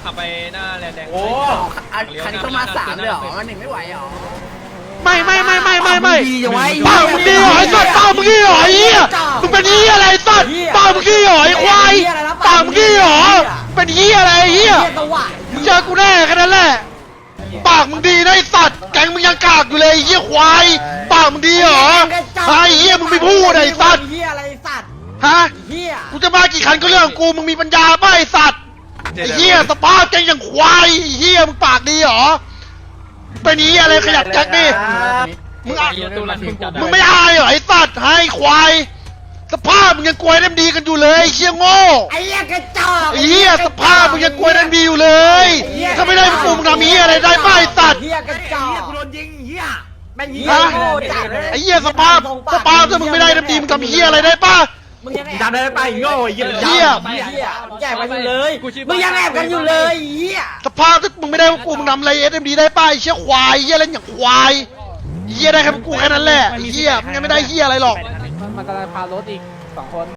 ขับไปหน้าแลนแดงโอ้คันนี้ต้องมา3เลยเหรอมัน1ไม่ไหวเหรอไม่ดีจังไว้ป้ามึงดีหรอไอ้สัตว์ป้ามึงดีหรอไอ้เหี้ยมึงเป็นเหี้ยอะไรสัตว์ป้ามึงดีหรอไอ้ควายป้ามึงดีหรอเป็นเหี้ยอะไรไอ้เหี้ยเจอกูแน่แค่นั้นแหละปากมึงดีนะไอ้สัตว์แกงมึงยังกากอยู่เลยไอ้เหี้ยควายปากมึงดีหรอไอ้เหี้ยมึงไม่พูดไอ้สัตว์เหี้ยอะไรสัตว์ฮะเหี้ยกูจะมากี่คันก็เรื่องของกูมึงมีปัญญาป่ะไอ้สัตว์ไอ้เหี้ยสภาพแกงอย่างควายไอ้เหี้ยมึงปากดีหรอเป็นเหี้ยอะไรขยับแจ็คดิมึงมึงไม่อายเหรอไอ้สัตว์ให้ควายสภาพมึงยังกลัวน้ำดีกันอยู่เลยไอ้เชี่ยโง่ไอ้เหี้ยกระจอกไอ้เหี้ยสภาพมึงยังกลัวน้ำดีอยู่เลยถ้าไม่ได้กูมึงทำเหี้ยอะไรได้ป่ะไอ้สัตว์เหี้ยกระจอกกูโดนยิงเหี้ยแม่งเหี้ยโง่จัดเลยไอ้เหี้ยสภาพถ้ามึงไม่ได้น้ำดีมึงทำเหี้ยอะไรได้ป่ะมึงยังทำได้ไปโง่ไอ้เหี้ยเหี้ยแย่กันอยู่เลยมึงยังแอบกันอยู่เลยเหี้ยสภาพถ้ามึงไม่ได้พวกกูมึงทำอะไรSMDได้ป่ะไอ้เชี่ยควายเหี้ยเล่นอย่างควายเหี้ยได้แค่พวกกูแค่นั้นแหละไอ้เหี้ยมึงยังไม่ได้เหี้ยอะไรหรอกมันกำลังพารถอีก2 คน